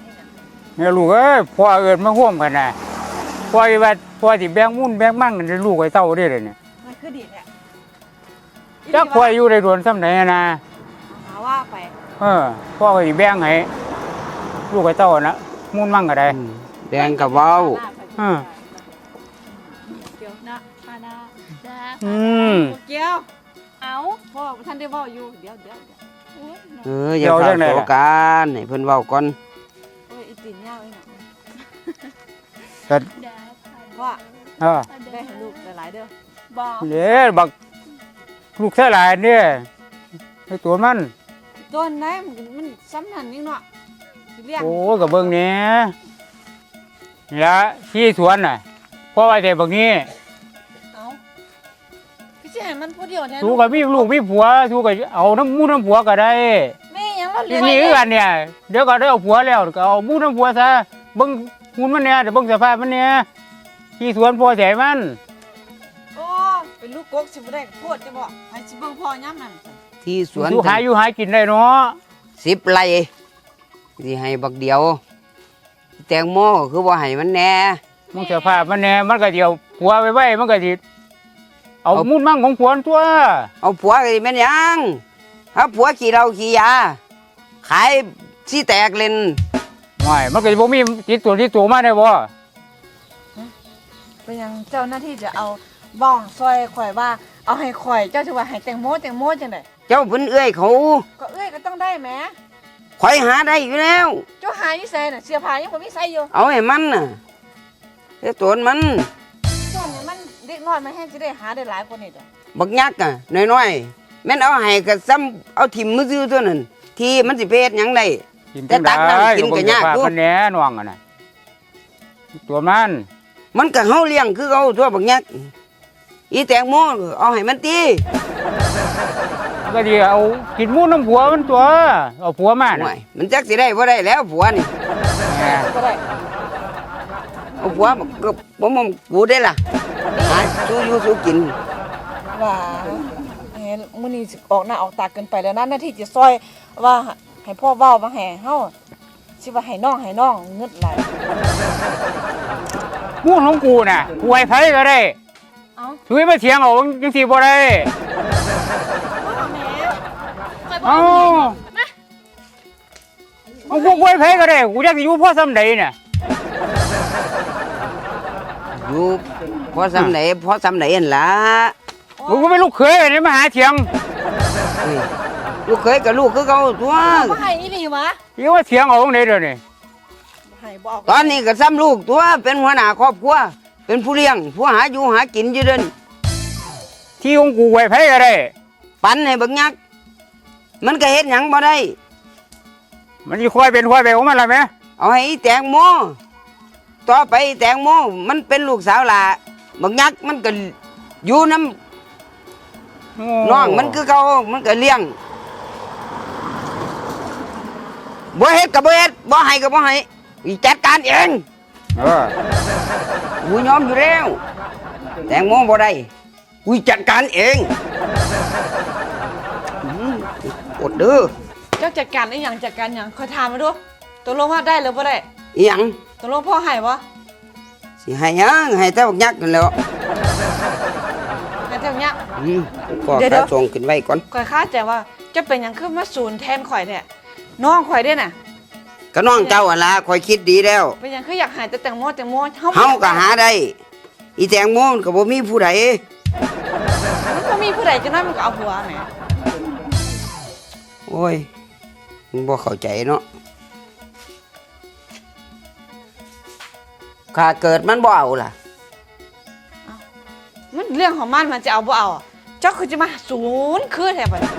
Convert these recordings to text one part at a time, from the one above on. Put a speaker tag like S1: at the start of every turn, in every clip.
S1: เนี่ยลูกเอ้ยพ่อเอิญมาห่วมกันนะพ่อว่าพ่อสิแบงมุ่นแบงมั่งกันลูกไอ้เต้าได้เลยเนี่ย
S2: มันคือดีเนี่ย
S1: จักพ่ออยู่ในดวนซ้ำไหนนะ
S2: หาว่าไป
S1: พ่อก็สิแบงให้ลูกไอ้เต้านะมุ่นมั่งก็ได้
S3: แดงกับเว้า
S2: เกี่ยวนะพาดา
S1: เกี่ยว
S2: เอาพ่อท่านได้บอกอยู่เดี๋ยว
S3: อย่าเข้าโศกันให้เพิ่นเว้าก่อน
S2: โอ้ยอีตีนยาวไอ้หน
S1: ก็
S2: ว่าได้ให้ลูกหลายเด้อบอก
S1: เด้บักลูกเท่าไรเนี่ยไอ้ตัวมัน
S2: ต้นไหนมันซ้ำหันนี่เนาะเลี้ยง
S1: โอ้กับเบิ้งเนี้ยละที่สวนน่ะพ่อว่าแต่บักนี้
S2: เอาพี่จะให้มันพูดเดียวแท้
S1: ทูกับมีลูกมีผัวทูกับเอาน้ำมูน้ำผัวก็ได้
S2: แม่ยังเรา
S1: ที
S2: เลี้ยง
S1: นี้กันเนี่ยเดี๋ยวก็ได้เอาผัวแล้วก็เอามูน้ำผัวซะเบิ้งหุ่นมันเนี่ยเดี๋ยวเบิ้งสภาพมันเนี่ยที่สวนพ่อแสมัน
S2: โอ้เป็นลูกกกสิบ่ได้พูดจะบอกให้สิเบิ่งพ่อย่ำนั่น
S3: ที่สวน
S1: ทูหาอยู่หากินได้เนาะ
S3: 10 ไร่สิให้บักเดียว แตงโมก็คือบ่ให้มันแหน่
S1: มึงสภาพมันเนี่ยมันก็เดียวผัวไว้ไว้มันก็สิเอามูนมั่งของผัวตัว
S3: เอาผัวก็สิแม่นหยังถ้าผัวขี้เหล้าขี้ยาขายสิแตกเล่น
S1: ไม่มันก็สิบ่มีติดตัวมาได้บ่
S2: เป็นยังเจ้าหน้าที่จะเอาบ้องซอยข่อยว่าเอาให้ข่อยเจ้าจะว่าให้แตงโมจังได๋
S3: เจ้าเพิ่นเอื้อยเขา
S2: ก็เอ้ยก็ต้องได้แหม
S3: ข่อยหาได้อยู่แล้ว
S2: เจ้าหาอยู่ใส่น่ะเสื้อผ้ายังบ่มีใส่อยู่
S3: เอาให้มันน่ะเจ้าตัวมัน
S2: ช่วงนี้มันเด็กน้อยมันแห้งสิได้หาได้หลายกว่านี้ดอก
S3: บักยักษ์อ่ะน้อยๆแม่นเอาให้ก็ซ้ำเอาถิ่มมือซื่อตัวนั้นที่มันสิเพศหยังได้
S1: กิน
S3: แต่ตักน้ำกินก็ยาก
S1: อยู่มันแหน่น่วงอ่ะนะตัวมัน
S3: มันก็เฮาเลี้ยงคือเขาตัวบักยักษ์อีแตงโมเอาให้มันตี
S1: ก็ดีเอากินมูน้ำผัวมันตัวเอาผัวมา
S3: ห่ว
S1: น่ะ
S3: ยมันจักสิได้บ่ได้แล้วผัวนี่
S1: แหม่
S2: ก็ได้
S3: เอาผัวก็บ่มกูได้ล่ะหาสู้อยู่สู้กิน
S2: ว่าเห็นมื้อนี้สิออกหน้าออกตาเกินไปแล้วนะหน้าที่จะซอยว่าให้พ่อเว้ามาให้เฮาสิว่าให้น้องเงิดหลาย
S1: มูนของกูน่ะกูให้ไผก็ได้
S2: เอ้า
S1: ช่วยมาเถียงเอาจังซี่บ่ได้
S2: พ่อแม่ข่อยบ่
S1: เอากูให้ไผก็ได้กูอยากสิอยู่พ่อซ้ำใดน่ะ
S3: อยู่พอซ้ำไหนหั่นล่ะ
S1: กูก็เป็นลูกเขยนี่มาหาเถียง
S3: เฮ้ยลูกเคยกับลูกคือเขาตัว
S2: บ่ให้อีหลีวะ
S1: อยู่ว่าเถียงเอาจังได๋เดี๋ยวนี้
S2: บ่ให้บ่เอา
S3: ตอนนี้ก็ซ้ำลูกตัวเป็นหัวหน้าครอบครัวเป็นผู้เลี้ยงผู้หาอยู่หากินอยู่เดิน
S1: ที่ของกูให้ไผก็ได้
S3: ปันให้บักยักษ์มันก็เฮ็ดหยังบ่ได้
S1: มันสิค่อยเป็นค่อยไปของมันล่ะแม่
S3: เอาให้อีแตงโมต่อไปอีแตงโมมันเป็นลูกสาวหล่ะบักยักษ์มันก็อยู่น้ำน้องมันคือเขามันก็เลี้ยงบ่เฮ็ดก็บ่เฮ็ดบ่ให้ก็บ่ให้อีจัดการเอง
S1: เออ
S3: กูยอมอยู่แล้วแตงโมบ่ได้กูจัดการเองอดเด้อ
S2: เจ้าจัดการอีหยังจัดการหยังค่อยถามมาดูตกลงว่าได้หรือบ่ได้
S3: อีหยัง
S2: ตกลงพ่อให้บ่
S3: สิให้หยังให้แต่บักยักษ์นั่นแหล้ว
S2: ให้เท่าเนี้ย
S3: ก็
S2: เดี๋ยว
S3: ขาส่งขึ้นไว้ก่อน
S2: ข่อยคาดใจว่าจะเป็นหยังคือมาศูนย์แทนข่อยแท้น้องข่อยเด้น่ะ
S3: ก็น้องเจ้าอะล่ะคอยคิดดีแล้ว
S2: เป็นหยังคืออยากหายแต่แตงโม
S3: เฮาก็หาได้ อีแตงโมมันก็บ่มีผู้ใด
S2: มันบ่มีผู้ใดจะน้อยมันก็เอาผัวแหม
S3: โอ้ยมึงบ่เข้าใจเนาะข้าเกิดมันบ่เอาล่ะ
S2: มันเรื่องของมันจะเอาบ่เอาเจ้าคือจะมาศูนย์คือแท้บัดนี้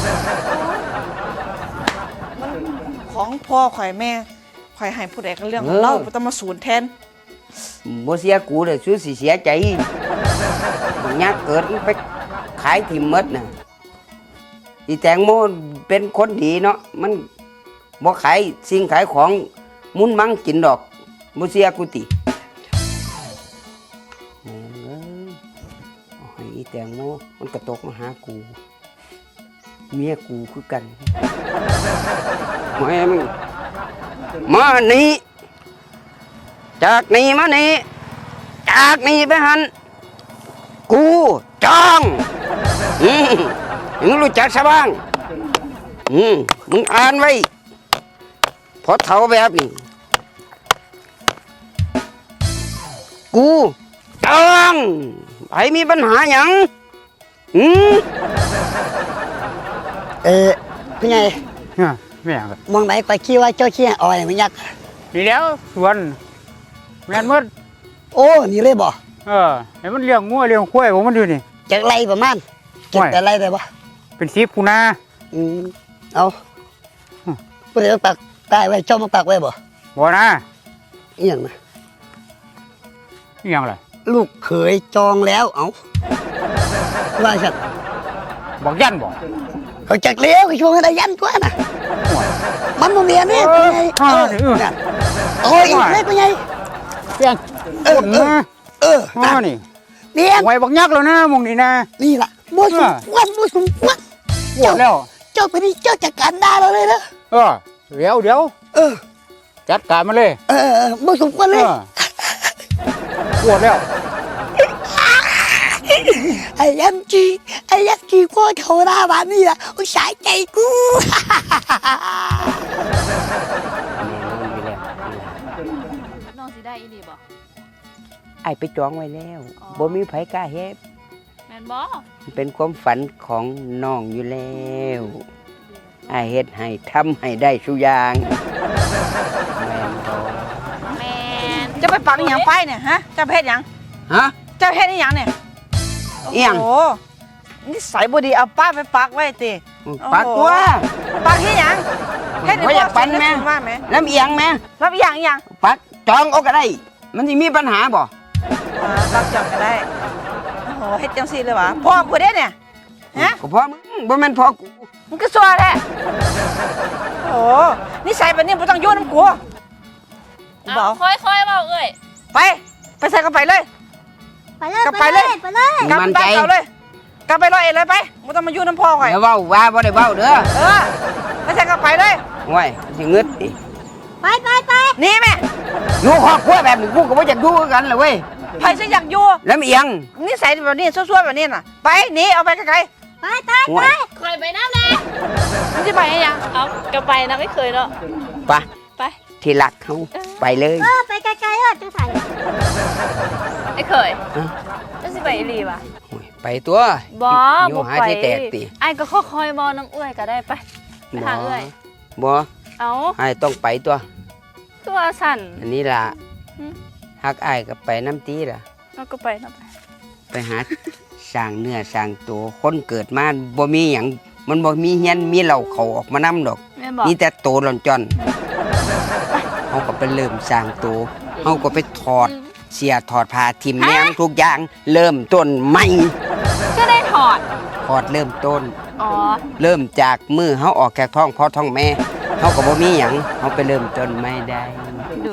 S2: มันของพ่อข่อยแม่ข่อยให้ผู้ใดก็เรื่องของเราบ่ต้องมาศูนย์แทน
S3: บ่เสียกูเลยสู้สิเสียใจบักยักษ์เกิดมันไปขายทิ่มหมดน่ะอีแตงโมเป็นคนดีเนาะมันบ่ขายสิ่งขายของมุนมังกินดอกบ่เสียกูติแม่งเอ้ยเอาให้อีแตงโมมันก็ตกมาหากูเมียกูคือกันแม่มึงมานี่จากนี่มานี่จากนี่ไปหันกูจองมึงรู้จักซะบ้างมึงอ่านไว้พอเท่าแบบนี้กูจองไอ้มีปัญหาหยัง
S4: พี่ใหญ่
S1: ไม่อยาก
S4: มองไหนไปคิดว่าเจ้าขี้อ่อยมันยักษ์
S1: นี่แล้วสวนแม่นหมด
S4: โอ้นี่เลยบ่
S1: ให้มันเลี้ยงงัวเลี้ยงควายของมันอยู่นี่
S4: จากไรประมาณเก็บแต่ไรได้บ่
S1: เป็น10คูนา
S4: เอาผู้ใดต้องปักตายไว้เจ้ามาปักไว้บ่
S1: บ่นะ
S4: อีหยังนะ
S1: อีหยังล่ะ
S4: ลูกเขยจองแล้วเอาว่าฉัน
S1: บอกยันบอก
S4: เขาจักเลี้ยวเขาชวงให้ได้ยันกว่าน่ะมันบ่เมียนี่พี่ใหญ่โอ้ยเลยพี่ใหญ่
S1: เพียงคนนะนี่
S4: เมียน
S1: ไว้บักยักษ์แล้วนะมองนี่นะ
S4: นี่ล่ะบ่สมควรบ่สมควร
S1: ปวดแล้ว
S4: เจ้าไปนี่เจ้าจัดการได้เราเลยนะ
S1: เดี๋ยวจัดการมาเลย
S4: บ่สมควรเลย
S1: ปวดแล้ว
S4: ไอ้ยันจีพ่อเขาหน้าบ้านนี่ล่ะโอ้ยสายใจกู
S5: น้องสิได้อีหลีบ่
S3: ไอ้ไปจองไว้แล้วบ่มีไผกล้าเฮ็ด
S5: แม่นบ่
S3: เป็นความฝันของน้องอยู่แล้วไอ้เฮ็ดให้ทำให้ได้ทุกอย่างแม่นบ่
S5: แม่น
S2: จะไปปักอหย่างไปเนี่ยฮะเจ้าเพชรหยัง
S3: ฮะ
S2: เจ้าเพชรอหย่างเนี่ย
S3: อิหยัง
S2: โอ้นิสัยบ่ดีเอาป้าไปปักไว้ติ
S3: ปักตัว
S2: ปักที่หยังเฮ็ดให้
S3: บ่อยากปันแม่
S2: พ่อว่าแม่
S3: ลำเอียงแม่
S2: รับอีหยังอีหยัง
S3: ปักจองเอาก็ได้ มันสิมีปัญหาบ่
S2: ปักจองก็ได้โอ้โหเฮ็ดจังซี่เลยวะพ่อกูเด้เนี่ยฮะ
S3: ก็พอมึงบ่แม่นพอกู
S2: มึงก็ซัวแท้โอ้โหนิสัยแบบนี้บ่ต้องอยู่นำกูกูบ
S5: เอา
S2: อก
S5: ค่อยๆเว้าเอ้ย
S2: ไปใส่กระไปเลย
S4: ไปเลย
S2: กลับไปเลย
S4: ไปเลย
S2: กลับ
S3: มั่น
S2: บ้า
S3: ใจ
S2: นเก่าเลยกลับไปร้อยเอ็ดเลยไปบ่ต้องมาอยู่น้ำพ่อข่อย
S3: อย่าเว้าว่าบ่ได้เว้าเด้อ
S2: ไปใส่กระไปเลย
S3: โอ้ยสิงึดดิ
S4: ไป
S2: หนี่แม่
S3: อยู่ครอบครัวแบบนี้กูก็บ่อยากอยู่คือกันเลยเว้ย
S2: ไผสิอยากอยู่
S3: ลำเอียง
S2: นิสัยแบบนี้ซั่วๆแบบนี้น่ะไปหนีเอาไปไกล
S3: โอ้ย
S5: คอยไปน้ำแน่
S2: ๆมึงสิไปให้หยัง
S5: เอาก็ไปนะไม่เคยเนาะ
S3: ไป
S5: ไป
S3: ที่รักเฮาไปเลย
S4: ไปไกลๆจังไส
S5: ไม่เคย
S3: ฮะ
S5: จะสิไปอีหลีว่ะ
S3: โอ้ยไปตัว
S5: บ่
S3: อยู่
S5: บ่
S3: หา
S5: ไป
S3: ที่แตกติ
S5: ไอ้ก็ค่อยๆบ่น้ำเอื้อยก็ได้ไปหาเอื้อย
S3: บ่
S5: เอา
S3: ให้ต้องไปตัว
S5: ตัวสั่น
S3: อันนี้ล่ะ
S5: อืม
S3: ฮักอ้ายก็ไปน้ำตีล่ะ
S5: เอาก็ไปเนาะไป
S3: ไปหา สร้างเนื้อสร้างตัวคนเกิดมาบ่มีหยังมันบ่มีเฮียนมีเหล่าเขาออกมานำดอก
S5: แม่นบอก
S3: มีแต่โตหล่อนจอนเฮาก็ไปเริ่มสร้างตัวเฮาก็ไปถอดเสียถอดผ้าทิ่มแนงทุกอย่างเริ่มต้นใหม่
S5: ก็ได้ถอด
S3: ถอดเริ่มต้น
S5: อ๋อ
S3: เริ่มจากมือเฮาออกจากท้องพ่อท้องแม่เฮาก็บ่มีหยังเฮาไปเริ่มต้นไม่ได้
S5: ดู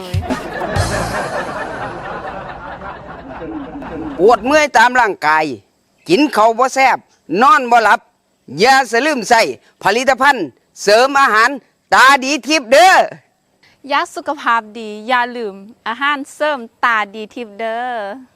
S3: ปวดเมื่อยตามร่างกาย กินข้าวบ่แซ่บนอนบ่หลับ อย่าสะลืมใส่ผลิตภัณฑ์ เสริมอาหาร ตาดีทิพย์เด้อ
S5: ยักษ์สุขภาพดี อย่าลืม อาหารเสริมตาดีทิพย์เด้อ